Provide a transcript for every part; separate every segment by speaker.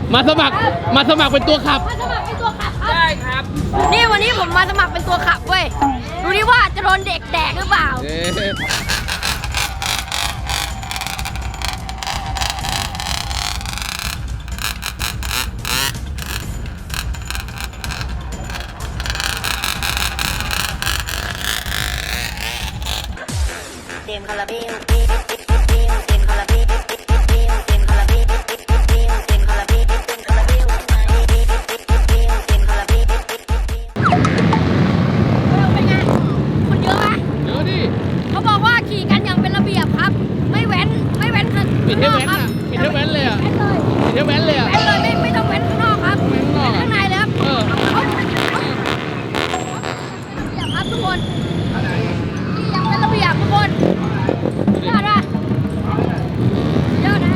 Speaker 1: มาสมัครเป็นตัวขับ
Speaker 2: มาสมัครเป็นตัวขับครับ
Speaker 3: ได้ครับ
Speaker 2: นี่วันนี้ผมมาสมัครเป็นตัวขับเว้ยดูดิว่าจะโดนเด็กแดกหรือเปล่าเต็มคาราเบลเต็มคาราเบลเต็มคาราเบลเต็มคาราเบลเต็มคาราเบลเต็มคาราเบลเป็นไงคนเยอะไหม
Speaker 1: เยอะดิ
Speaker 2: เขาบอกว่าขี่กันอย่างเป็นระเบียบครับไม่แว้นข้าง
Speaker 1: ปิดให้
Speaker 2: นอก
Speaker 1: แว้น
Speaker 2: ครับ
Speaker 1: อ่ะปิดให้แว้นเลยอ่ะ
Speaker 2: แว้นเลย
Speaker 1: ปิดให้แว้นเลยอ่ะ
Speaker 2: แว้นเลยไม่ต้องแว้นข้างนอกครับแว้นข้างในเลยครับเขาครับทุกคนขี่อย่างเป็นระเบียบทุกคนยอดนะยอดนะ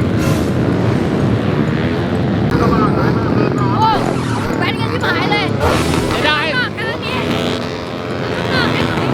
Speaker 2: โอ้แว้นกันที่หายเลย
Speaker 1: ไม่ได้
Speaker 2: ข้างนอกกันนี้ข้างนอกกันนี้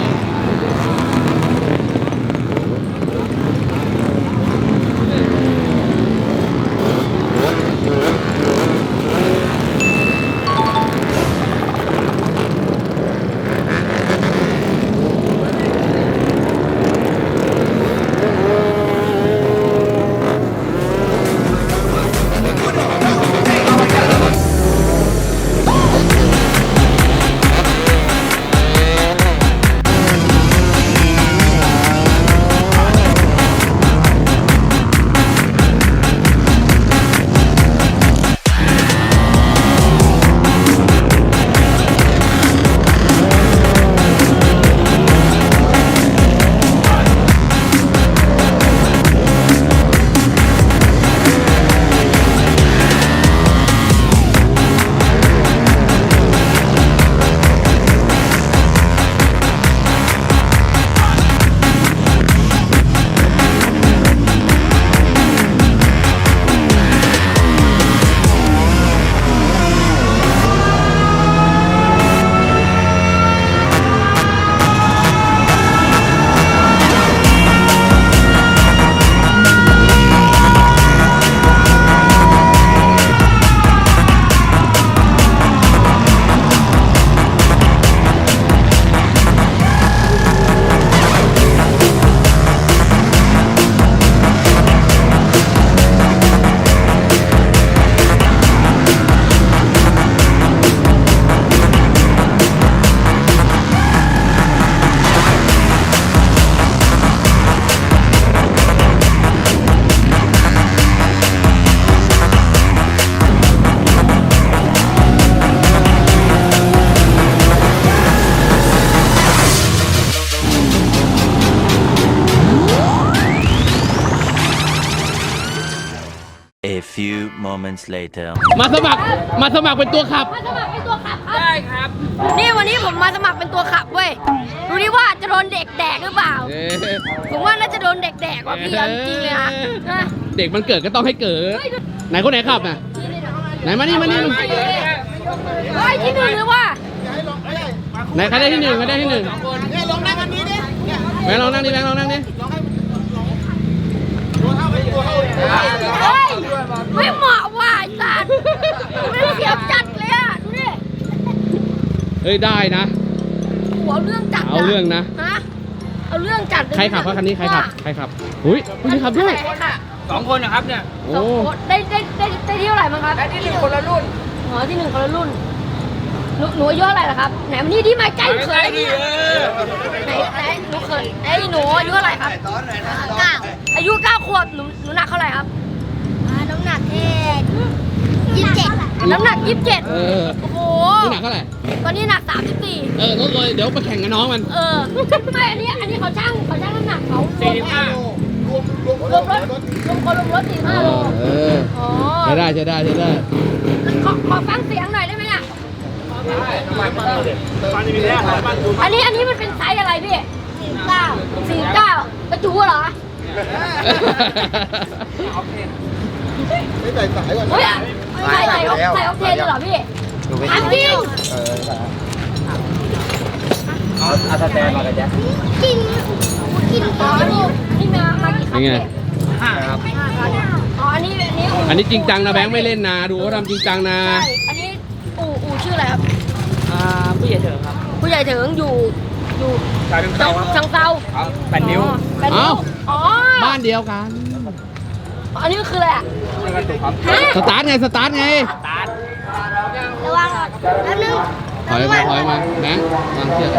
Speaker 4: A few moments later
Speaker 1: มาสมัครเป็นตัวขับ
Speaker 2: มาสมัครเป็นตัวขับครับ
Speaker 3: ได้ครับ
Speaker 2: นี่วันนี้ผมมาสมัครเป็นตัวขับเว้ยดูดิว่าจะโดนเด็กแดกหรือเปล่าผมว่าน่าจะโดนเด็กแดกว่ะพี่เอาจริงเลยนะ
Speaker 1: เด็กมันเกิดก็ต้องให้เกิดไหนคนไหนขับน่ะไหนมานี่
Speaker 2: เฮ้ยที่หนึ่งเลยว่ะ
Speaker 1: ไหนใครได้ที่หนึ่งใครได้ที่หนึ่ง
Speaker 3: เนี่ยลงนั่งอันนี้ดิเนี่ย
Speaker 1: แบงค์ลองนั่งดิแบงค์ลองนั่งดิ
Speaker 2: เฮ้ยไม่เหมาะว่ะไอ้สัตว์ไม่เสียบจัดเลยอ่ะดูดิ
Speaker 1: เฮ้ยได้นะ
Speaker 2: หัวเรื่องจัด
Speaker 1: เอาเรื่องนะ
Speaker 2: ฮะเอาเรื่องจัด
Speaker 1: ใครขับคันนี้ใครขับอุ้ยผู้นี้ขับด้วย
Speaker 3: 2 คนนะครับเนี่ย
Speaker 1: โอ้
Speaker 2: สองคนได้ที่เท่าไหร่มั้งครับ
Speaker 3: และที่1คนละรุ่น
Speaker 2: อ๋อที่หนึ่งคนละรุ่นหนูอายุเท่าไหร่ล่ะครับไหนมันนี่ที่มาใกล้เขย
Speaker 3: ดิ
Speaker 2: ไหนหนูเขยหนูอายุเท่าไหร่ครับ9อายุ9 ขวบหนูหนักเท่าไหร่ครับน้ำหนักแค่27น้ำหนัก27
Speaker 1: เออ
Speaker 2: โอ้โห
Speaker 1: นี่หนักเท่าไหร่
Speaker 2: ตอนนี้หนัก34
Speaker 1: ลดเลยเดี๋ยวมาแข่งกับน้องมัน
Speaker 2: ไม่อันนี้เขาช่างน้ำหนักเขารวมรถ45 โล
Speaker 1: เออ
Speaker 2: อ๋อ
Speaker 1: ใช้ได้
Speaker 2: ขอฟังเสียงหน่อยได้ไหมอ่ะ
Speaker 3: ฟันมีแล้วบ้านดู
Speaker 2: อันนี้มันเป็นไซส์อะไรพี่49กระจูเหรอ
Speaker 5: ไม่ใส่สายก่อน
Speaker 2: เฮ้ยใส่ออกเทนเลยเหรอพี่ถามจริง
Speaker 5: เอาสแตนมาเลยจ้ะ
Speaker 2: อ๋อนี่มากี่ครั้ง
Speaker 1: เป็นไง
Speaker 2: พี่
Speaker 3: ครับ
Speaker 2: อ๋ออันนี้อู่
Speaker 1: อันนี้จริงจังนะแบงค์ไม่เล่นนะดูเขาทำจริงจังนะ
Speaker 2: ใช่อันนี้อู่ชื่ออะไรครับ
Speaker 3: ผู้ใหญ่เถิงครับ
Speaker 2: ผู้ใหญ่ถึงอยู่
Speaker 3: ชายเป็นเจ้าครับ
Speaker 2: ชังเซา
Speaker 3: ครับ8 นิ้ว
Speaker 2: แปดนิ้วอ๋อ
Speaker 1: บ้านเดียวกัน
Speaker 2: อันนี้คืออะไรอ่ะ
Speaker 3: แล้วก็ตุกครับ
Speaker 2: ฮะ
Speaker 1: สตาร์ทไงสตาร์ทไง
Speaker 3: ตาร์ท
Speaker 2: ระวังอ่ะแป๊บนึง
Speaker 1: ถอยมาแบงค์วางเชือก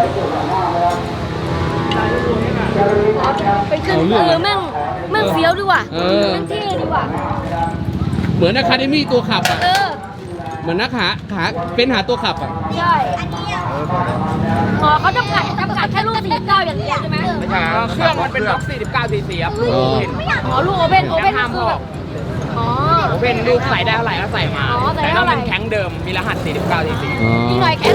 Speaker 2: เป็นขึ้น
Speaker 1: เอาเรื่องอะ
Speaker 2: แม่งเฟี้ยวดีว่ะ
Speaker 1: เออ
Speaker 2: แม่งเท่ดีว่ะ
Speaker 1: เหมือนอะคาเดมี่ตัวขับอ่ะ
Speaker 2: เออ
Speaker 1: เหมือนนักหาเป็นหาตัวขับอ่ะ
Speaker 2: ใช่อ๋อเขาจำกัดแค่ลูก49อย่างเดียวใช่ไหม
Speaker 3: ไม่ใช่ครับเครื่องมันเป็นบล็อก49 cc ครับ
Speaker 1: อ๋อ
Speaker 2: อ๋อลูกโอเพ่นคือแบบอ๋อ
Speaker 3: โอเพนลูกใส่ได้เท่าไหร่ก็ใส่มา
Speaker 2: อ๋อใส่
Speaker 3: แต่
Speaker 2: ได้
Speaker 3: ต้อ
Speaker 2: เท่าง ไหร่
Speaker 3: เป็นแข็งเดิมมีรหัส49 cc
Speaker 1: อ๋อ
Speaker 2: อีกหน่อยแค่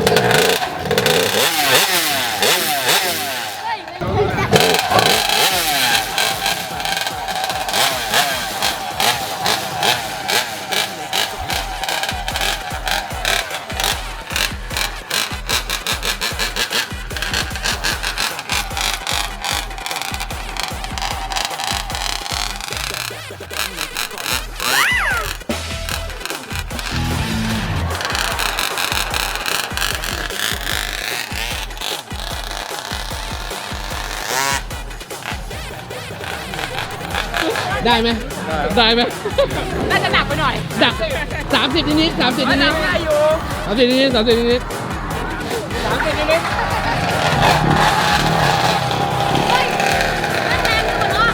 Speaker 1: ได้ไหมได้ไหม
Speaker 3: น่าจะหนักไปหน่อย
Speaker 1: ดัก30นิดๆ30นิด
Speaker 3: ได้อยู่
Speaker 1: ๆ30นิดๆ30นิด
Speaker 3: 30นิด
Speaker 2: เฮ้ยแรงดีกว่าเนาะ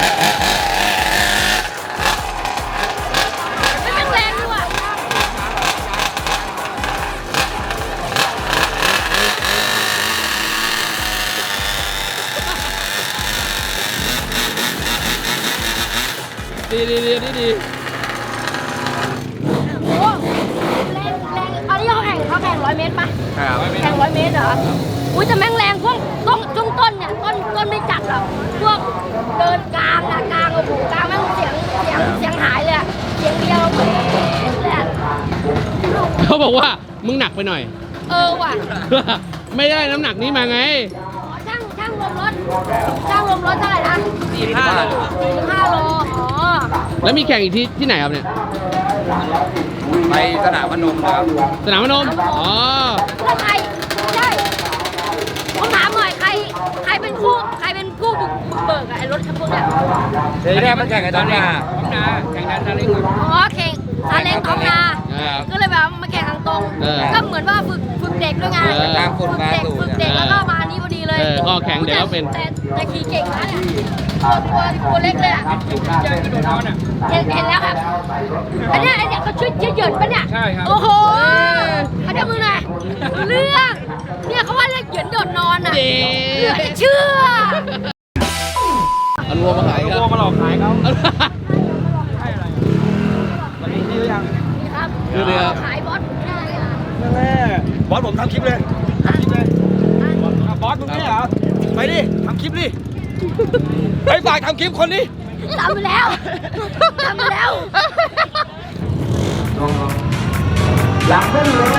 Speaker 2: แม่งแรงดีว่ะ
Speaker 1: ๆดี
Speaker 2: โอ้แรงอันนี้เขาแข่ง100 เมตรปะ
Speaker 3: ครับ
Speaker 2: แข่ง100 เมตรเหรอ อุ้ยแต่แม่งแรงช่วงต้นเนี่ยต้นไม่จัดหรอกพวกเดินกลางอะกลางโอ้โหกลางแม่งเสียงหายเลยอะเสียงเดียวเลยอะ
Speaker 1: เขาบอกว่ามึงหนักไปหน่อย
Speaker 2: เออว่ะ
Speaker 1: ไม่ได้น้ำหนักนี้มาไง
Speaker 2: อ๋อช่างรวมรถเท่าไหร่นะ
Speaker 3: 45 โล
Speaker 2: 45 โล อ๋อ
Speaker 1: แล้วมีแข่งอีกที่ไหนครับเนี่ย
Speaker 3: ไปสนามพนมนะครับ
Speaker 1: สนามพนมอ๋อ
Speaker 2: แล้วใครใช่ผมถามหน่อยใครเป็นผู้บุกเบิกอะไอ้รถคันพวกเนี้ย
Speaker 3: เดี๋ยวนี้มันแข่งกันตอนนี้แข่งนั้นจะเล่นกับ
Speaker 2: อ๋อแข่งซาเล้งท้องนา ก็เลยแบบมาแข่งทางตรง ก็เหมือนว่าฝึกเด็กด้วยไง ฝึกเด็กแล้วก็มาอันนี้พอดีเลย
Speaker 1: ก็แข่งเดี๋ยวก็เป็น
Speaker 2: แต่ขี่เก่งนะเนี่ยตัวเล็กเลยอ่ะ
Speaker 3: เจอกระโดดนอนอ่ะ
Speaker 2: เห็นแล้วครับ อันเนี้ยเขาช่วยเหยินปะเนี่ย
Speaker 3: ใช่ครับ
Speaker 2: โอ้โหเขาจะมือหน่อยเรื่อง เนี่ยเขาว่าเรียกเหยินโดดนอนอ่ะ
Speaker 1: เย้
Speaker 2: เหลือจะเชื่อ
Speaker 1: เอาวัวมาขายค
Speaker 3: โก
Speaker 1: รับ
Speaker 3: มาหลอกขายเขาใช่อะไรวันนี้ชื่อยัง
Speaker 2: นี่ครับ
Speaker 1: คือเรือ
Speaker 2: ขายบอสได้อะ
Speaker 3: นั่นแหละบอสผมทำคลิปเลยทำคลิปเลยบอสมึงเนี่ยเหรอไปดิทำคลิปดิไปฝากทำคลิปคนนี้
Speaker 2: ทำไปแล้วทำไปแล้ว
Speaker 3: หลังเส้นเลย